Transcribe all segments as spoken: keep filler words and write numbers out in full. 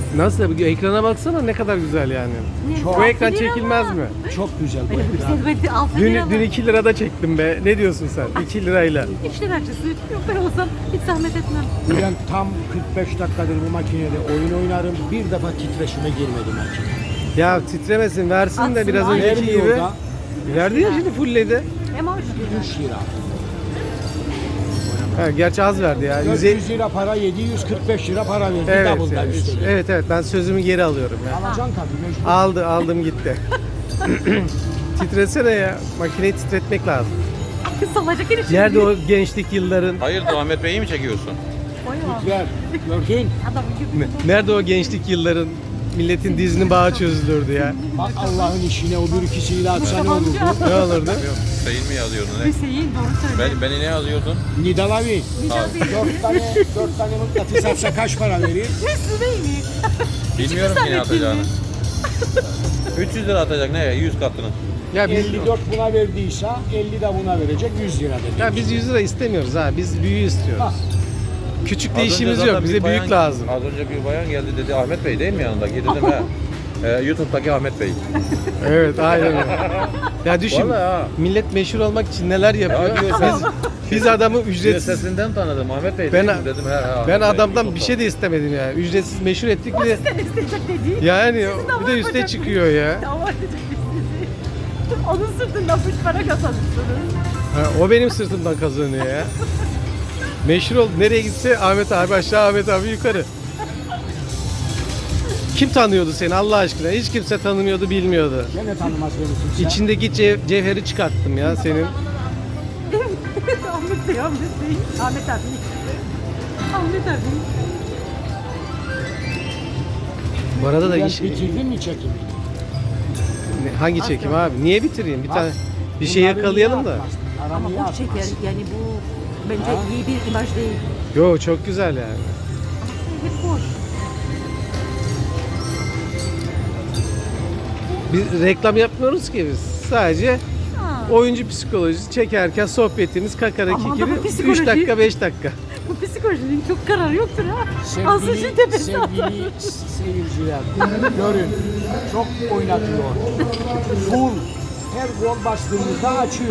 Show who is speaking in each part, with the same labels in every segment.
Speaker 1: Nasıl? Ekrana baksana ne kadar güzel yani.
Speaker 2: Çok.
Speaker 1: Bu ekran çekilmez mi?
Speaker 2: Çok güzel bu ekran.
Speaker 3: Güzel, altı
Speaker 1: Dün,
Speaker 3: lira
Speaker 1: dün
Speaker 3: var.
Speaker 1: iki lirada çektim be. Ne diyorsun sen? iki lirayla.
Speaker 3: Üç lira açısı. Yok ben olsam hiç zahmet etmem.
Speaker 2: Ben tam kırk beş dakikadır bu makinede oyun oynarım. Bir defa titreşime girmedi makine.
Speaker 1: Ya titremesin versin de
Speaker 3: Atsın,
Speaker 1: biraz
Speaker 3: aynen.
Speaker 1: önceki gibi.
Speaker 2: Vermiyor da
Speaker 1: Verdi ya şimdi fullledi.
Speaker 3: Hem hoş lira.
Speaker 2: üç lira.
Speaker 1: Ha, gerçi az verdi ya.
Speaker 2: dört
Speaker 1: yüz
Speaker 2: yüz lira para, yedi yüz kırk beş lira para verdi.
Speaker 1: Evet,
Speaker 2: Double'da
Speaker 1: evet,
Speaker 2: üstelik.
Speaker 1: evet evet ben sözümü geri alıyorum ya.
Speaker 2: Alacaksın tabii mecbur.
Speaker 1: Aldı aldım gitti. Titresene ya. Makineyi titretmek lazım.
Speaker 3: Salacak herif.
Speaker 1: Nerede o gençlik yılların?
Speaker 4: Hayırdır Ahmet Bey'i mi çekiyorsun?
Speaker 2: Ver. Gördün.
Speaker 3: Adam gibi.
Speaker 1: Ne- Nerede o gençlik yılların? Milletin dizinin bağı çözülürdü ya.
Speaker 2: Bak Allah'ın işine o bir ikisiyle atsa ne olurdu?
Speaker 1: Ne olurdu?
Speaker 4: Hüseyin mi yazıyordun ne?
Speaker 3: Hüseyin doğru söyle.
Speaker 4: Ben, beni ne yazıyordun?
Speaker 2: Nidal abi.
Speaker 3: Abi.
Speaker 2: Dört tane, dört tane mıknatıs atsa kaç para verir?
Speaker 3: Hüseyin.
Speaker 4: Bilmiyorum ki ne atacağını. üç yüz lira atacak ne ya? yüz katını.
Speaker 1: Ya biz,
Speaker 2: elli dört buna verdiyse elli de buna verecek yüz lira dedi.
Speaker 1: ya biz yüz lira istemiyoruz ha. Biz büyüğü istiyoruz.
Speaker 2: Ha.
Speaker 1: Küçükle
Speaker 4: Az önce
Speaker 1: işimiz
Speaker 4: zaten
Speaker 1: yok.
Speaker 4: bir
Speaker 1: Bize
Speaker 4: bayan-
Speaker 1: büyük lazım.
Speaker 4: Az önce bir bayan geldi dedi Ahmet Bey değil mi yanındaki? Dedim he. Ee, YouTube'daki Ahmet Bey.
Speaker 1: Evet aynen öyle. Ya düşün.
Speaker 4: Vallahi ha.
Speaker 1: Millet meşhur olmak için neler yapıyor.
Speaker 4: Ya diyor
Speaker 1: biz, biz adamı
Speaker 4: Diyor,
Speaker 1: ücretsiz
Speaker 4: sesinden tanıdım Ahmet Bey
Speaker 1: Ben-
Speaker 4: değil mi? Dedim he he. Ahmet
Speaker 1: ben
Speaker 4: Bey,
Speaker 1: adamdan bir
Speaker 4: YouTube'da.
Speaker 1: şey de istemedim ya. Ücretsiz meşhur ettik bir de
Speaker 3: Sen isteyecek dedi.
Speaker 1: yani
Speaker 3: Sizin
Speaker 1: bir de üste çıkıyor ya.
Speaker 3: Dava edecek sizi. Onun sırtından üç para kazanırsınız.
Speaker 1: Ha, o benim sırtımdan kazanıyor ya. Meşhur oldu. Nereye gitse Ahmet abi aşağı, Ahmet abi yukarı. Kim tanıyordu seni Allah aşkına? Hiç kimse tanımıyordu, bilmiyordu.
Speaker 2: Gene tanımaz beni kimse.
Speaker 1: İçindeki cev- cevheri çıkarttım ya senin.
Speaker 3: Ahmet Bey, Ahmet Bey. Ahmet abi. Ahmet abi.
Speaker 1: Bu arada da
Speaker 2: Ben
Speaker 1: iş,
Speaker 2: bitirdin mi çekimi?
Speaker 1: Ne- hangi çekim abi? Niye bitireyim? Bir
Speaker 2: Bak,
Speaker 1: tane bir şey
Speaker 2: bunları
Speaker 1: yakalayalım
Speaker 2: niye
Speaker 1: da.
Speaker 2: atmaz?
Speaker 3: Ama
Speaker 2: Aramı niye
Speaker 3: bu
Speaker 2: atmaz?
Speaker 3: çeker. Yani bu bence
Speaker 2: Ha?
Speaker 3: iyi bir imaj değil.
Speaker 1: Yo çok güzel yani.
Speaker 3: Hep boş.
Speaker 1: Biz reklam yapmıyoruz ki biz. Sadece
Speaker 3: Ha.
Speaker 1: oyuncu psikolojisi çekerken sohbetimiz kakaraki
Speaker 3: Aman da bu
Speaker 1: gibi
Speaker 3: psikoloji.
Speaker 1: üç dakika beş dakika.
Speaker 3: Bu psikolojinin çok kararı yoktur ha. Asıl
Speaker 2: Sevgili,
Speaker 3: şu tepesi atar.
Speaker 2: sevgili seyirciler, görün çok oynatıyor. Full, her gol bastığımızda açıyor.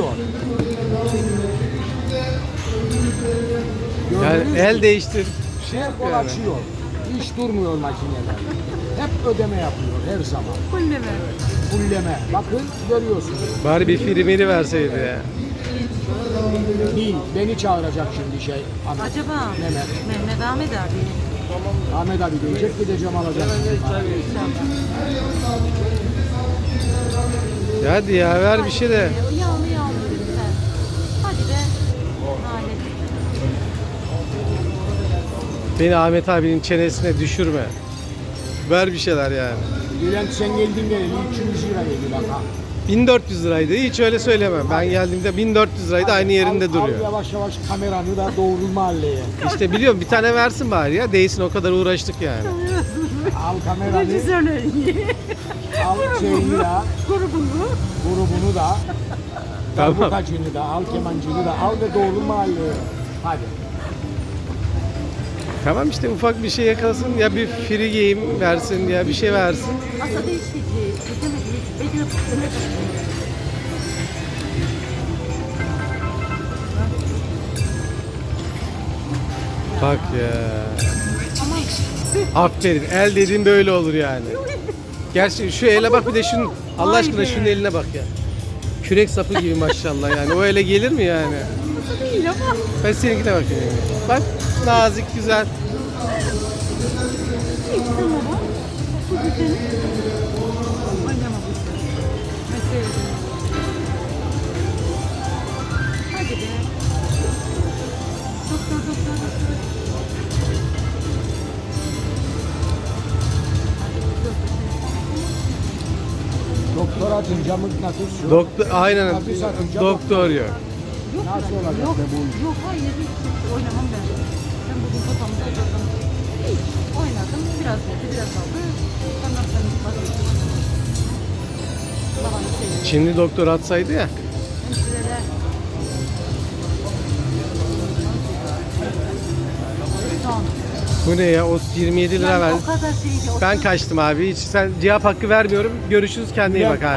Speaker 1: Yani
Speaker 2: Gördünüz mü?
Speaker 1: el değiştir. Şey
Speaker 2: Her
Speaker 1: yap
Speaker 2: gol
Speaker 1: yani.
Speaker 2: açıyor. Hiç durmuyor makineler. Hep ödeme yapıyor her zaman.
Speaker 3: Kulleme.
Speaker 2: Fulleme. Bakın görüyorsunuz.
Speaker 1: Bari bir filmini verseydi ya.
Speaker 2: Değil, beni çağıracak şimdi şey. Ahmet.
Speaker 3: Acaba
Speaker 2: Mehmet.
Speaker 3: Mehmet Ahmet abi.
Speaker 2: Ahmet abi diyecek, gideceğim alacağım.
Speaker 1: Ya hadi ya ver bir şey de.
Speaker 3: Yağlı yağlı lütfen. Hadi be. Lanet.
Speaker 1: Beni Ahmet abinin çenesine düşürme. Ver bir şeyler yani.
Speaker 2: Bülent sen geldin geleli üç yüz lira geldi bak ha.
Speaker 1: bin dört yüz liraydı. Hiç öyle söylemem. Ben geldiğimde bin dört yüz liraydı. Aynı yerinde
Speaker 2: al,
Speaker 1: duruyor.
Speaker 2: Al yavaş yavaş kameranı da doğru mahalleye.
Speaker 1: İşte biliyorum bir tane versin bari ya. Değilsin o kadar uğraştık yani.
Speaker 2: Al kameranı,
Speaker 3: Rejisörleri.
Speaker 2: al şeyini de,
Speaker 3: Grubunu.
Speaker 2: grubunu da,
Speaker 1: Tamam.
Speaker 2: darbukacını da, al kemancını da, al ve doğru mahalleye. Hadi.
Speaker 1: Tamam işte ufak bir şey yakalasın. Ya bir free game versin ya bir şey versin.
Speaker 3: Aslında değişti. Beklemedi. Beklemedi.
Speaker 1: Bak ya.
Speaker 3: Ama
Speaker 1: Aferin. El dediğin böyle olur yani. Gerçi şu ele bak bir de şunun Allah
Speaker 3: Vay
Speaker 1: aşkına
Speaker 3: be.
Speaker 1: şunun eline bak ya. Kürek sapı gibi maşallah yani. O ele gelir mi yani?
Speaker 3: nasıl değil ama.
Speaker 1: Ben seninkine bakayım. Bak nazik güzel.
Speaker 3: İşte baba. Bu güzel. Oynama bu işi. Mesele değil. Hadi be. Doktor doktor doktor. Hadi doktor.
Speaker 2: Doktor atınca mıknatıs yok.
Speaker 1: Doktor aynen
Speaker 2: Mıknatıs atınca
Speaker 1: doktor yok.
Speaker 3: Yok
Speaker 2: Nasıl
Speaker 3: ben-
Speaker 2: olacak
Speaker 3: yok,
Speaker 2: be bu iş?
Speaker 3: Yok hayır hiç oynamam ben. Ben bugün kafamda oynadım. Hiç oynadım. Biraz verdi biraz aldı. Ondan sonra vazgeçtim. Babam seviyor.
Speaker 1: Şimdi doktor atsaydı ya.
Speaker 3: Hemşireler. Son.
Speaker 1: Bu ne ya? O yirmi yedi lira
Speaker 3: Yani
Speaker 1: ver.
Speaker 3: o kadar şeydi. o
Speaker 1: Ben kaçtım abi. Hiç sen cevap hakkı vermiyorum. Görüşürüz. Kendine iyi bak abi.